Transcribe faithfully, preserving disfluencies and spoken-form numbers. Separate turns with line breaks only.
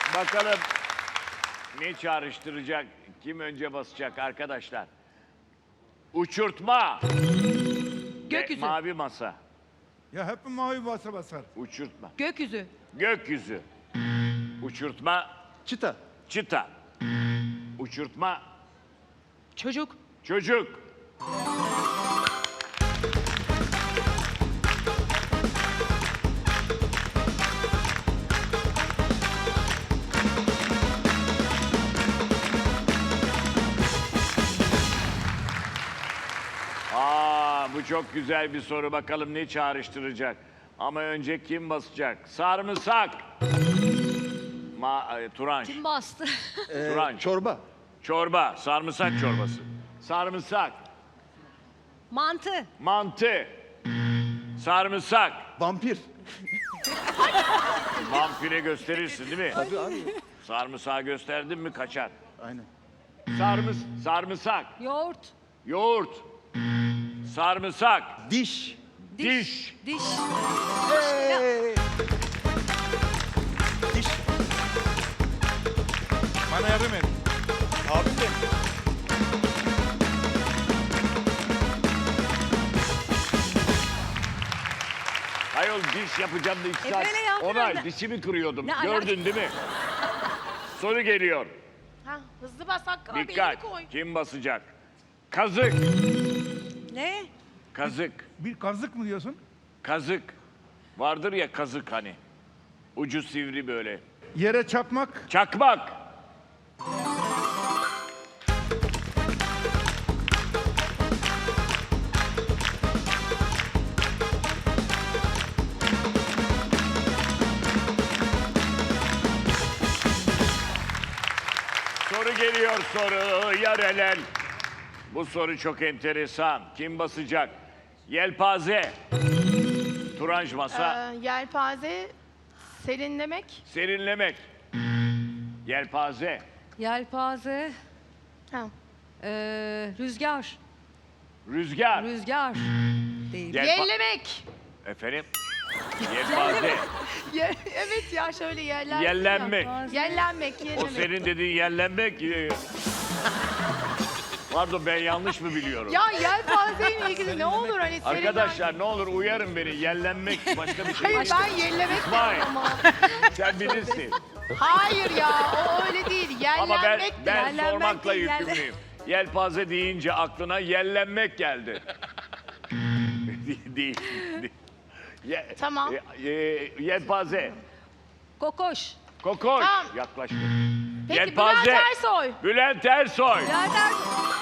Bakalım ne çağrıştıracak, kim önce basacak arkadaşlar? Uçurtma.
Gökyüzü.
Ve mavi masa.
Ya hep mavi basa basar.
Uçurtma.
Gökyüzü.
Gökyüzü. Uçurtma.
Çıta.
Çıta. Uçurtma.
Çocuk.
Çocuk. Aa, bu çok güzel bir soru. Bakalım ne çağrıştıracak. Ama önce kim basacak? Sarımsak. Ma e, Turanç.
Kim bastı?
Ee,
Turanç.
Çorba.
Çorba. Sarımsak çorbası. Sarımsak.
Mantı.
Mantı. Sarımsak.
Vampir.
Vampire gösterirsin değil mi?
Tabii abi.
Sarımsağı gösterdin mi kaçar.
Aynen.
Sarmıs, sarımsak.
Yoğurt.
Yoğurt. Sarımsak.
Diş.
Diş.
Diş.
Hey. Diş.
Bana yardım et.
Abim benim.
Hayol diş yapacağım da iki
E
saat.
böyle yaptın
Onay
öyle.
dişimi kırıyordum.
Ne
Gördün değil mi? Soru geliyor.
Ha, hızlı bas Hakkı abi,
Dikkat.
elini koy.
Kim basacak? Kazık.
Ne?
Kazık.
Bir kazık mı diyorsun?
Kazık. Vardır ya kazık hani. Ucu sivri böyle.
Yere çarpmak.
Çakmak. Soru geliyor soru. Yarelen. Bu soru çok enteresan. Kim basacak? Yelpaze. Turanj masa.
Ee, yelpaze, serinlemek.
Serinlemek. Yelpaze.
Yelpaze.
Ha.
Ee, rüzgar.
Rüzgar.
Rüzgar. Değil.
Yelpa-
Yellemek.
Efendim? Yelpaze.
Ye- evet ya şöyle yerler.
Yellenmek.
Yellenmek,
O
yellemek.
senin dediğin yellenmek. e, Pardon ben yanlış mı biliyorum?
Ya yelpazeyle ilgili ne olur hani serinlen-
Arkadaşlar ne olur uyarın beni. Yellenmek başka bir şey
Hayır
değil.
ben yellemek
İsmail.
dedim ama.
Sen bilirsin.
Hayır ya o öyle değil. Yellenmek
Ama ben,
de-
ben
Yellenmek
sormakla
değil, yelle-
yükümlüyüm. Yelpaze deyince aklına yellenmek geldi. değil. değil. Ye-
Tamam.
e, e, yelpaze.
Kokoş.
Kokoş.
Tamam.
Yaklaştı.
Peki
Yelpaze.
Bülent Ersoy.
Bülent Ersoy.
Bülent Ersoy.